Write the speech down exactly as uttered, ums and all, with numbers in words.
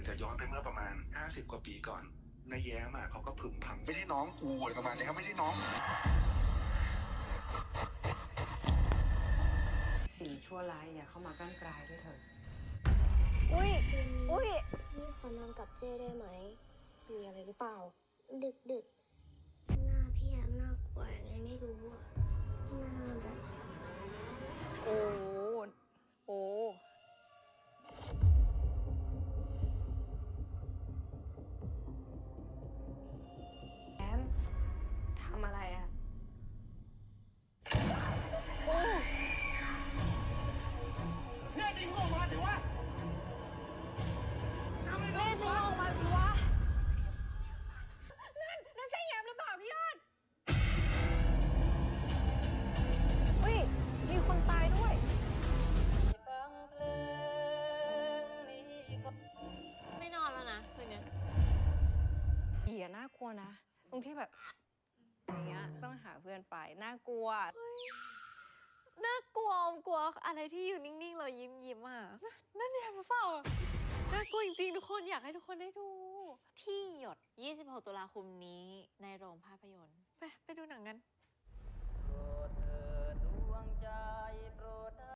จะย้อนไปเมื่อประมาณห้าสิบกว่าปีก่อนนายแย้มเขาก็พึมพำไม่ใช่น้องกูอะไรประมาณนี้ครับไม่ใช่น้องสิ่งชั่วร้ายอย่าเข้ามากั้นกลายด้วยเถอะอุ้ยอุ้ยพี่ขอนอนกับเจ้ได้ไหมมีอะไรหรือเปล่า ดึกดึกหน้าพี่แอมน่ากลัวยังไงไม่รู้อะหน้าแบบโอ้โอ้แอมทำอะไรอะโอ้แน่จริงออกมาสิวะแม่จริงออกมาสิวะนั่นนั่นใช่แยมหรือเปล่าพี่ยอดอุ้ยมีคนตายด้วยไม่นอนแล้วนะคืนนี้ผีอะน่ากลัวนะตรงที่แบบอย่างเงี้ยต้องหาเพื่อนไปน่ากลัวน่ากลัวอมกลัวอะไรที่อยู่นิ่งๆเรายิ้มยิ้มอ่ะนั่นเนี่ยหรือเปล่าน่ากลัวจริงๆทุกคนอยากให้ทุกคนได้ดู ที่หยดยี่สิบหกตุลาคมนี้ในโรงภาพยนตร์ไปไปดูหนังกัน